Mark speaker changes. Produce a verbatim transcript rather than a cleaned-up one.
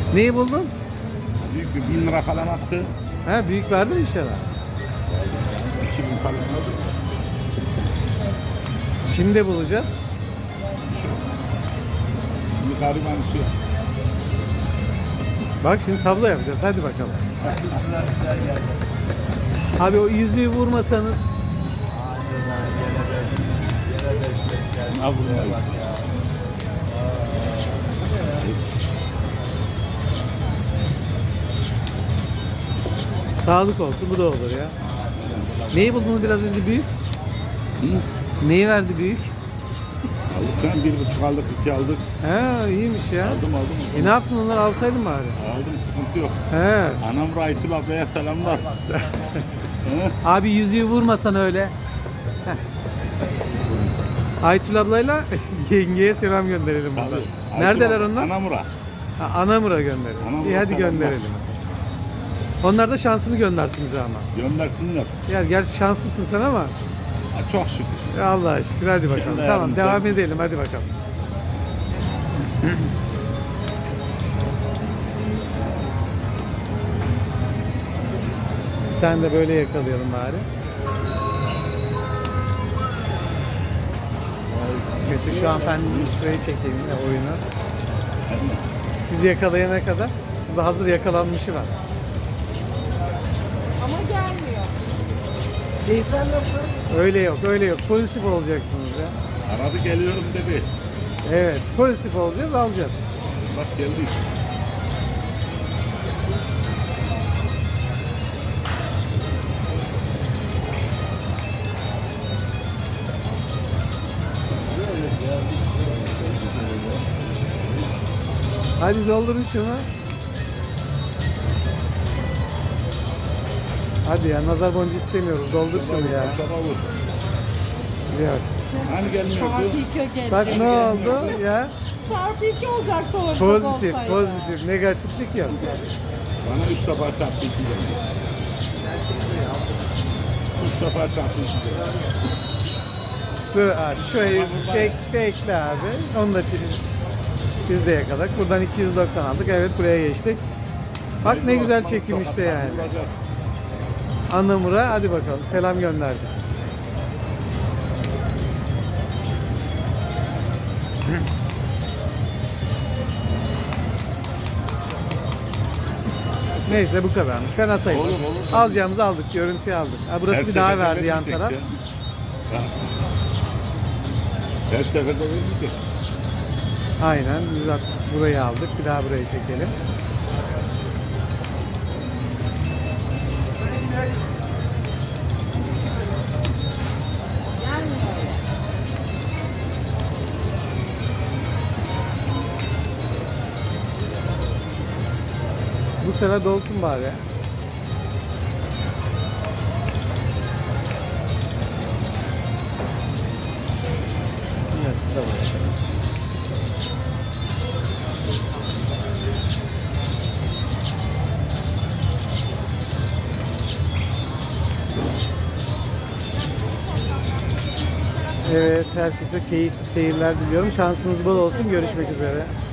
Speaker 1: Neyi buldun?
Speaker 2: Büyük bir bin lira falan attı.
Speaker 1: Ha, büyük verdi mi inşallah?
Speaker 2: iki bin falan oldu.
Speaker 1: Şimdi de bulacağız.
Speaker 2: Şimdi gariban istiyor.
Speaker 1: Bak şimdi tablo yapacağız. Hadi bakalım. Abi o yüzüğü vurmasanız.
Speaker 2: Al bunu.
Speaker 1: Sağlık olsun, bu da olur ya. Neyi buldunuz biraz önce büyük?
Speaker 2: Hı?
Speaker 1: Neyi verdi büyük?
Speaker 2: Aldık sen bir buçuk aldık, iki aldık.
Speaker 1: He, iyiymiş ya.
Speaker 2: Aldım aldım.
Speaker 1: E ne yaptın, onları alsaydın bari.
Speaker 2: Aldım, sıkıntı yok.
Speaker 1: He.
Speaker 2: Anam Raytül ablaya selamlar. Hı?
Speaker 1: Abi yüzüğü vurmasan öyle. Heh. Aytül ablayla yengeye selam gönderelim buradan.
Speaker 2: Tabii.
Speaker 1: Neredeler onlar?
Speaker 2: Anamura.
Speaker 1: Ha, Anamur'a gönderelim.
Speaker 2: Anamur'a
Speaker 1: İyi hadi
Speaker 2: selamlar.
Speaker 1: gönderelim. Onlar da şansını göndersin bize ama.
Speaker 2: Göndersinler.
Speaker 1: Ya gerçi şanslısın sen ama.
Speaker 2: Ha, çok şükür.
Speaker 1: Ya Allah'a şükür, hadi bakalım.
Speaker 2: Kendi
Speaker 1: Tamam,
Speaker 2: ayarımızda-
Speaker 1: devam edelim, hadi bakalım. Bir tane de böyle yakalayalım bari. Kötü, şu hanımefendinin şurayı çekeyim ya, oyunu. Siz yakalayana kadar burada hazır yakalanmışı var.
Speaker 3: Ama gelmiyor.
Speaker 1: Keyifler nasıl? Öyle yok, öyle yok. Pozitif olacaksınız ya.
Speaker 2: Aradı geliyorum dedi.
Speaker 1: Evet, pozitif olacağız, alacağız.
Speaker 2: Bak geldik.
Speaker 1: Hadi doldurun şunu. Hadi ya, nazar boncuğu istemiyoruz. Doldur şunu ya.
Speaker 2: Çaba vur.
Speaker 1: Yok.
Speaker 2: Hani gelmiyordu?
Speaker 3: Çarpı iki gelecek.
Speaker 1: Bak ne oldu ya?
Speaker 3: Çarpı iki olacaktı orada.
Speaker 1: Pozitif,
Speaker 3: olsaydı.
Speaker 1: pozitif. Negatiflik yok.
Speaker 2: Bana üç defa çarptı iki geldi. Üç defa çarptı iki geldi.
Speaker 1: Dur abi, şurayı bek, bekle abi. Onu da çekin. Biz de yakaladık. Buradan iki yüz doksan aldık. Evet, buraya geçtik. Bak ne güzel çekim işte yani. Anamur'a hadi bakalım. Selam gönderdik. Neyse bu kadarmış. Fena sayılır.
Speaker 2: Olur, olur.
Speaker 1: Alacağımızı aldık. Görüntüyü aldık. Ha, burası
Speaker 2: Her
Speaker 1: bir daha
Speaker 2: seferinde
Speaker 1: verdi yan
Speaker 2: vermeyecek
Speaker 1: taraf.
Speaker 2: ya. Her seferde vermeyecek.
Speaker 1: Aynen. Biz at- burayı aldık. Bir daha burayı çekelim.
Speaker 3: Gelmiyor.
Speaker 1: Bu sefer dolsun bari. Evet, tamam. Evet, herkese keyifli seyirler diliyorum. Şansınız bol olsun. Görüşmek üzere.